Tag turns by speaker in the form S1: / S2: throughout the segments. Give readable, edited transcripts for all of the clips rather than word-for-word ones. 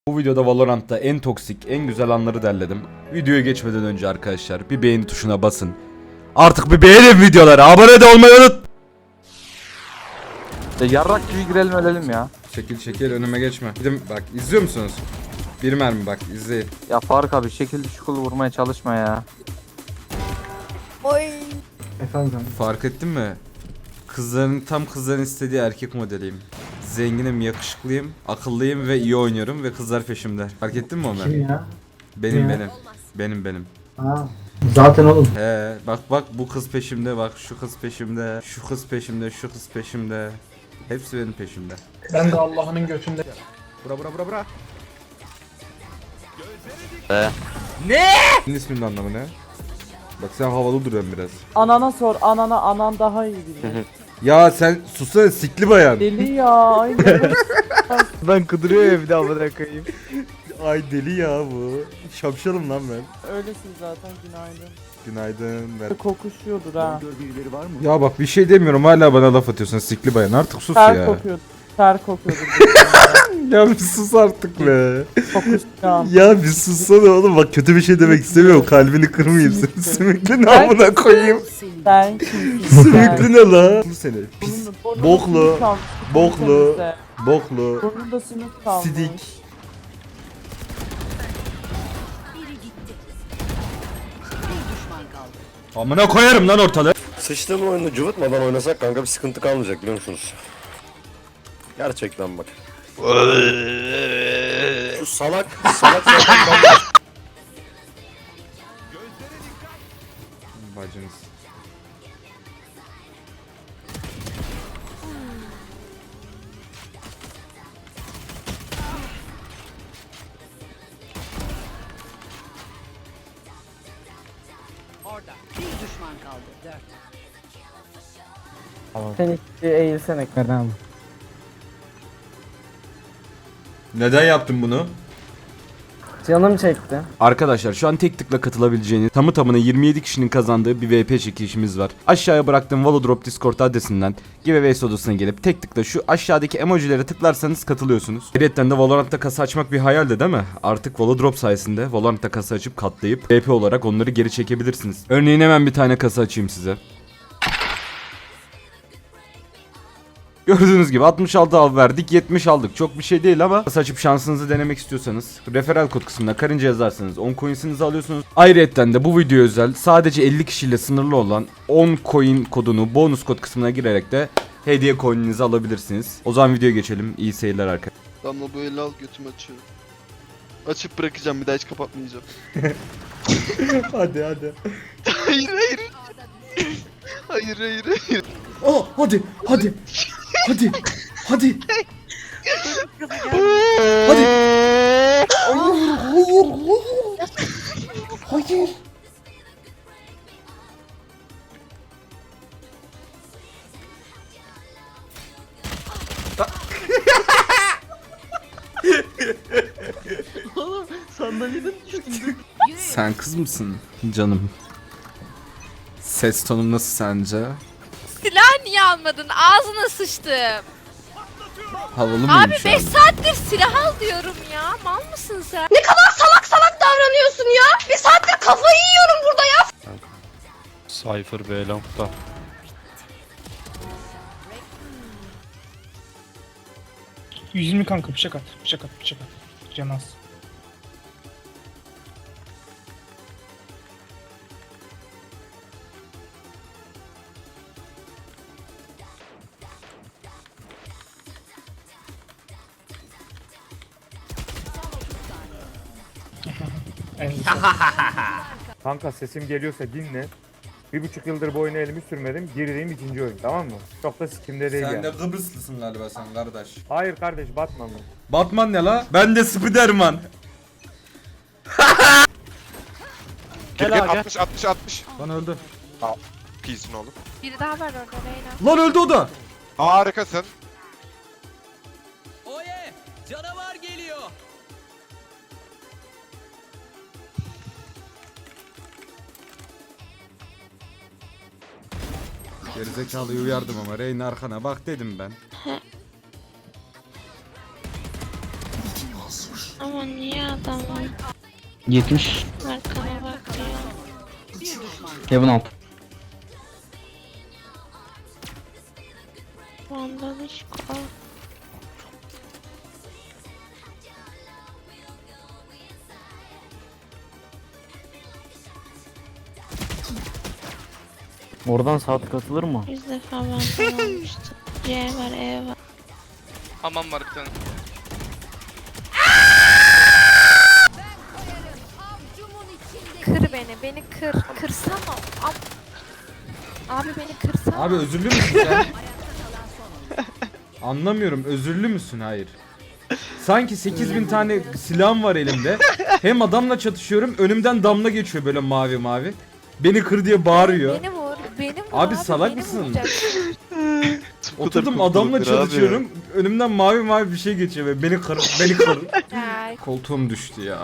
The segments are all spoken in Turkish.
S1: Bu videoda Valorant'ta en toksik, en güzel anları derledim. Videoya geçmeden önce arkadaşlar bir beğeni tuşuna basın. Artık bir beğenin videoları, abone de olmayı unut.
S2: Yarrak gibi girelim ölelim ya.
S1: Şekil önüme geçme. Gidin bak, izliyor musunuz? Bir mermi bak, izleyin.
S2: Ya Faruk abi şekil şukul vurmaya çalışma ya.
S3: Efendim.
S1: Fark ettin mi? Kızların istediği erkek modeliyim. Zenginim, yakışıklıyım, akıllıyım ve iyi oynuyorum ve kızlar peşimde. Fark ettin mi Ömer?
S3: Kim ya?
S1: Benim
S3: Ya.
S1: benim.
S3: Ha. Zaten oğlum.
S1: He bak bu kız peşimde, bak şu kız peşimde, şu kız peşimde, şu kız peşimde. Hepsi benim peşimde.
S3: Ben de Allah'ın götünde.
S1: Bura. Ne? Senin isminin anlamı ne? Bak sen havalı duruyorsun biraz.
S4: Anana sor, anan daha iyi bilir.
S1: Ya sen susana sikli bayan.
S4: Deli ya, aynen.
S2: Ben kıdırıyor ya bir daha amına koyayım.
S1: Ay deli ya bu. Şapşalım lan ben.
S4: Öylesin zaten, günaydın.
S1: Günaydın.
S4: Kokuşuyordur ha.
S1: Ya bak bir şey demiyorum, hala bana laf atıyorsun sikli bayan, artık sus
S4: Ter
S1: ya.
S4: kokuyordur. Ter kokuyordur.
S1: Ya bir sus artık be.
S4: Kokuşacağım.
S1: Ya bir sussana oğlum, bak kötü bir şey demek istemiyorum, kalbini kırmayayım seni. Sümüklü ne amına koyayım.
S4: Sen kimsin?
S1: Sümüklü ne la? Bu seni. Pis.
S4: Burnunda
S1: Boklu.
S4: sümük kalmış,
S1: Boklu.
S4: temizle.
S1: Boklu.
S4: Burnunda sümük kalmış.
S1: Sidik. Amına koyarım lan ortalığı.
S5: Sıçtığın oyunu cıvıtmadan oynasak kanka bir sıkıntı kalmayacak biliyor musunuz? Gerçekten bak. Şu salak zaten
S1: Bacınız.
S6: Orada. Bir düşman kaldı. 4.
S4: Sen hiç eğilsene Kerem.
S1: Neden yaptın bunu?
S4: Canım çekti.
S1: Arkadaşlar şu an tek tıkla katılabileceğiniz tamı tamına 27 kişinin kazandığı bir VP çekilişimiz var. Aşağıya bıraktığım Valodrop Discord adresinden giveaways odasına gelip tek tıkla şu aşağıdaki emojilere tıklarsanız katılıyorsunuz. Ayrıca de Valorant'ta kasa açmak bir hayaldi değil mi? Artık Valodrop sayesinde Valorant'ta kasa açıp katlayıp VP olarak onları geri çekebilirsiniz. Örneğin hemen bir tane kasa açayım size. Gördüğünüz gibi 66 al verdik, 70 aldık. Çok bir şey değil ama açıp şansınızı denemek istiyorsanız referral kod kısmına karınca yazarsanız 10 coins'inizi alıyorsunuz. Ayrıca de bu video özel sadece 50 kişiyle sınırlı olan 10 coin kodunu bonus kod kısmına girerek de hediye coin'inizi alabilirsiniz. O zaman videoya geçelim. İyi seyirler arkadaşlar.
S7: Damla bu eli al götümü açıyorum. Açıp bırakacağım bir daha hiç kapatmayacağım.
S1: hadi.
S7: hayır. hayır.
S1: Oh hadi. Hadi. Hadi. Hayır. Hayır.
S7: Oğlum sandalyeden düştüm.
S1: Sen kız mısın canım? Ses tonum nasıl sence?
S8: Silah niye almadın? Ağzına sıçtım.
S1: Havalı mıyım
S8: Abi
S1: şu an?
S8: 5 saattir silah al diyorum ya. Mal mısın sen?
S9: Salak davranıyorsun ya. Bir saattir kafayı yiyorum burada ya.
S10: Cypher B long'da.
S3: %120 kanka bıçak at. Can az.
S11: Kanka sesim geliyorsa dinle. 1,5 yıldır bu oyuna elimi sürmedim. Girdiğim ikinci oyun, tamam mı? Çok da sikimde değil yani.
S1: Kıbrıslısın galiba sen kardeş.
S11: Hayır kardeş, Batman'ım.
S1: Batman ne la? Ben de Spiderman.
S7: Gel 60.
S1: Lan öldü.
S7: Pisin oğlum.
S8: Biri daha var orada Reyna.
S1: Lan öldü o da.
S7: Harikasın.
S6: Oye! Canavar geliyor.
S1: Gerizekalıyı uyardım ama Reyna arkana bak dedim ben.
S8: Ama Ama niye adamın
S4: 70.
S8: arkana bakıyor?
S4: Kevin alt.
S8: Vandalışko.
S4: Oradan saat katılır mı?
S8: 100 defa vandal olmuştu. C var, E var.
S3: Aman var bir tane.
S8: Kır beni kır. Kırsana. Abi beni kırsana.
S1: Abi özürlü müsün sen? Anlamıyorum, özürlü müsün? Hayır. Sanki 8000 tane silahım var elimde. Hem adamla çatışıyorum, önümden damla geçiyor böyle mavi mavi. Beni kır diye bağırıyor.
S8: Beni vur.
S1: Abi salak
S8: beni
S1: mısın?
S8: vuracaksın.
S1: Oturdum adamla çalışıyorum. Önümden mavi mavi bir şey geçiyor ve beni kır.
S8: Ya,
S1: Koltuğum düştü ya.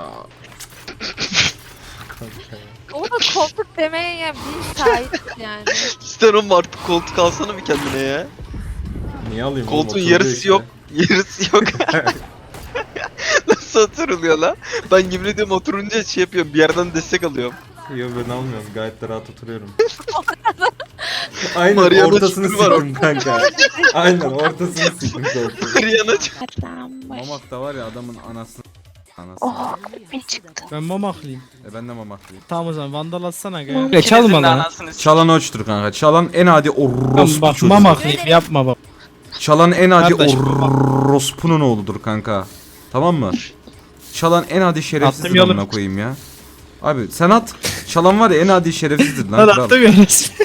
S8: o da koltuk demeye ya bir sahip yani.
S7: İster oğlum artık koltuk alsana bir kendine ya.
S1: Niye alayım oğlum?
S7: Koltuğun
S1: Oturdu
S7: yarısı
S1: işte.
S7: yok. Yarısı yok. Nasıl oturuluyor lan? Ben yemin ediyorum oturunca şey yapıyorum. Bir yerden destek alıyorum.
S1: Yok ben almıyorum. Gayet de rahat oturuyorum. Aynen
S7: Mariana
S1: ortasını
S7: çukuru var
S1: sıktım kanka. Aynen ortasını sıktım koltuğun.
S7: Riyana
S8: Adam baş.
S1: Mamak da var ya adamın anası.
S8: Bir çıktı.
S3: Ben mamaklıyım.
S1: Ben de mamaklıyım.
S3: Tamam o zaman vandal atsana gel.
S8: Mam-
S3: Ya çalma lan.
S1: Çalan oçtur kanka. Çalan en adi orospu
S3: Bak
S1: çocuğu.
S3: mamaklıyım yapma baba.
S1: Çalan en adi
S3: Kardeş,
S1: orospunun oğludur kanka. Tamam mı? Çalan en adi şerefsizdir
S3: Attım yolum.
S1: amına koyayım ya. Abi sen at. Çalan var ya en adi şerefsizdir lan.
S3: Lan
S1: kral.
S3: attım ya resmi.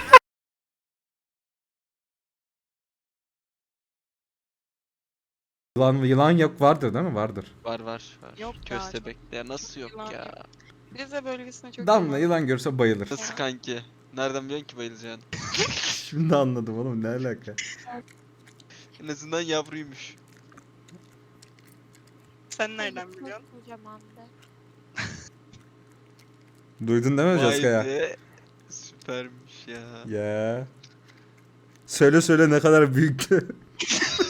S1: Yılan yok vardır değil mi? Vardır.
S7: Var var.
S6: Yok ya,
S7: Köstebek. Ya nasıl yok
S6: Yılan
S7: ya?
S6: Rize bölgesine çok
S1: Damla yılan görse bayılır.
S7: Nasıl kanki? Nereden biliyorsun ki bayılacağını?
S1: Şimdi anladım oğlum ne alaka.
S7: En azından yavruymuş.
S6: Sen nereden biliyorsun?
S8: Kocamandı.
S1: Duydun değil mi
S7: Vay
S1: Jessica?
S7: be. Süpermiş ya.
S1: Ya. Söyle ne kadar büyüktü.